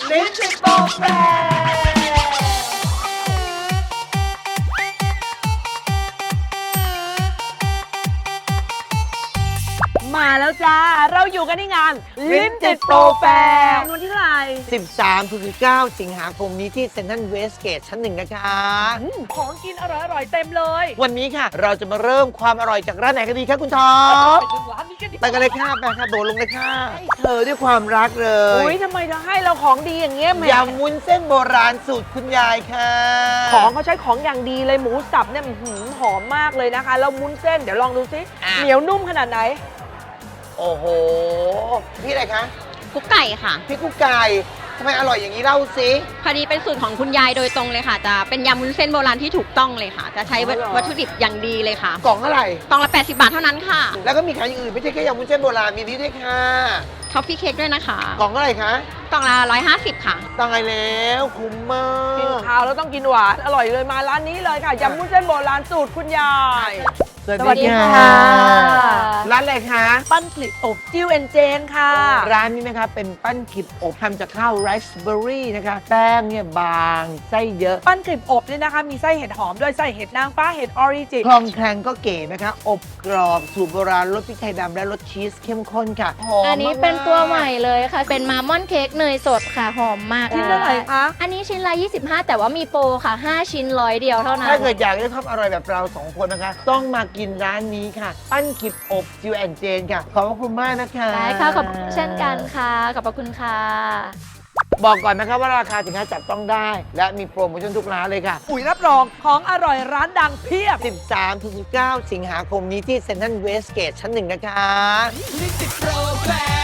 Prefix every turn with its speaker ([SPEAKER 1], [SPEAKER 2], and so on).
[SPEAKER 1] ลิ้นติดโปรแฟมาแล้วจ้า เราอยู่กันที่งานลิ้นติดโปรแฟร์วันที่เท่าไหร่
[SPEAKER 2] 13-19 สิงหาคมนี้ที่เซ็นทรัลเวสเกตชั้น 1นะคะ
[SPEAKER 1] ของกินอร่อยๆเต็มเลย
[SPEAKER 2] วันนี้ค่ะ เราจะมาเริ่มความอร่อยจากร้านไหนกันดีคะคุณท็อป
[SPEAKER 1] ไปถึงร้านนี้กันดี
[SPEAKER 2] ไปกันเลยค่ะไปค่ะโดดลงเลยค่ะเธอด้วยความรักเลย
[SPEAKER 1] อุ้ยทำไมเธอให้เราของดีอย่างเงี้ยแหม่
[SPEAKER 2] ยำวุ้นเส้นโบราณสูตรคุณยายค่ะ
[SPEAKER 1] ของเขาใช้ของอย่างดีเลยหมูสับเนี่ยหอมมากเลยนะคะแล้วมุ้นเส้นเดี๋ยวลองดูซิเหนียวนุ่มขนาดไหน
[SPEAKER 2] โอ้โห พี่อะไรคะ
[SPEAKER 3] กุ๊กไก่ค่ะ
[SPEAKER 2] พี่กุ๊กไก่ทำไมอร่อยอย่างนี้เล่าสิ
[SPEAKER 3] พอดีเป็นสูตรของคุณยายโดยตรงเลยค่ะ จะเป็นยำวุ้นเส้นโบราณที่ถูกต้องเลยค่ะ จะใช้
[SPEAKER 1] อ๋อเหรอ
[SPEAKER 3] วัตถุดิบอย่างดีเลยค่ะ
[SPEAKER 2] กล่องเท่าไหร่
[SPEAKER 3] กล่องละ 80 บาทเท่านั้นค่ะ
[SPEAKER 2] แล้วก็มีขายอย่างอื่นไม่ใช่แค่ยำวุ้นเส้นโบราณมีนี้ด้วยค่ะ
[SPEAKER 3] ท็อฟฟี่เค้กด้วยนะคะ
[SPEAKER 2] กล่องเท่าไหร่คะ
[SPEAKER 3] กล่องละ 150 ค่ะ
[SPEAKER 2] ตายแล้วคุ้มมา
[SPEAKER 1] กิน
[SPEAKER 2] ก
[SPEAKER 1] ข้าวแล้วต้องกินหวานอร่อยเลยมาร้านนี้เลยค่ะยำมุ้นเส้นโบราณสูตรคุณยาย
[SPEAKER 2] สวัสดีค่ะ ร้านอะไรคะ
[SPEAKER 1] ปั้นกลิบอบจิ้วเอ็นเจนค่ะ
[SPEAKER 2] ร้านนี้นะคะเป็นปั้นขิบอบทำจากข้าวไรซ์เบอร์รี่นะคะ แป้งเนี่ยบางไส้เยอะ
[SPEAKER 1] ปั้นกลิบอบเนี่ยนะคะมีไส้เห็ดหอมด้วยไส้เห็ดนางฟ้าเห็ดออริจิ
[SPEAKER 2] คลองแคลงก็เก๋นะคะ อบกรอบสูตรโบราณรสพริกไทยดำและรสชีสเข้มข้นค่ะหอม
[SPEAKER 4] อันนี้เป็นตัวใหม่เลยค่ะ เป็นมามอนเค้กเนยสดค่ะ หอมมาก
[SPEAKER 1] ชิ้นเท่าไหร่คะ
[SPEAKER 4] อันนี้ชิ้นละ 25 แต่ว่ามีโปรค่ะ 5 ชิ้น100 เดียวเท่านั้น
[SPEAKER 2] ถ้าเกิดอยากได้ความอร่อยแบบเราสองคนนะคะ ต้องมากินร้านนี้ค่ะ ปั้นขิบอบจิวแอนเจนค่ะ ขอบพระคุณมากนะคะ
[SPEAKER 4] ได้ค่ะขอบเช่นกันค่ะ ขอบพระคุณค่ะ
[SPEAKER 2] บอกก่อนนะคะว่าราคาสินค้าจับต้องได้ และมีโปรโมชั่นทุกร้านเลยค่ะ
[SPEAKER 1] อุ๋ยรับรองของอร่อยร้านดังเพียบ
[SPEAKER 2] 13-19 สิงหาคมนี้ที่เซ็นทรัลเวสเกตชั้น 1นะคะ
[SPEAKER 1] ลิ้นติดโปรแฟร์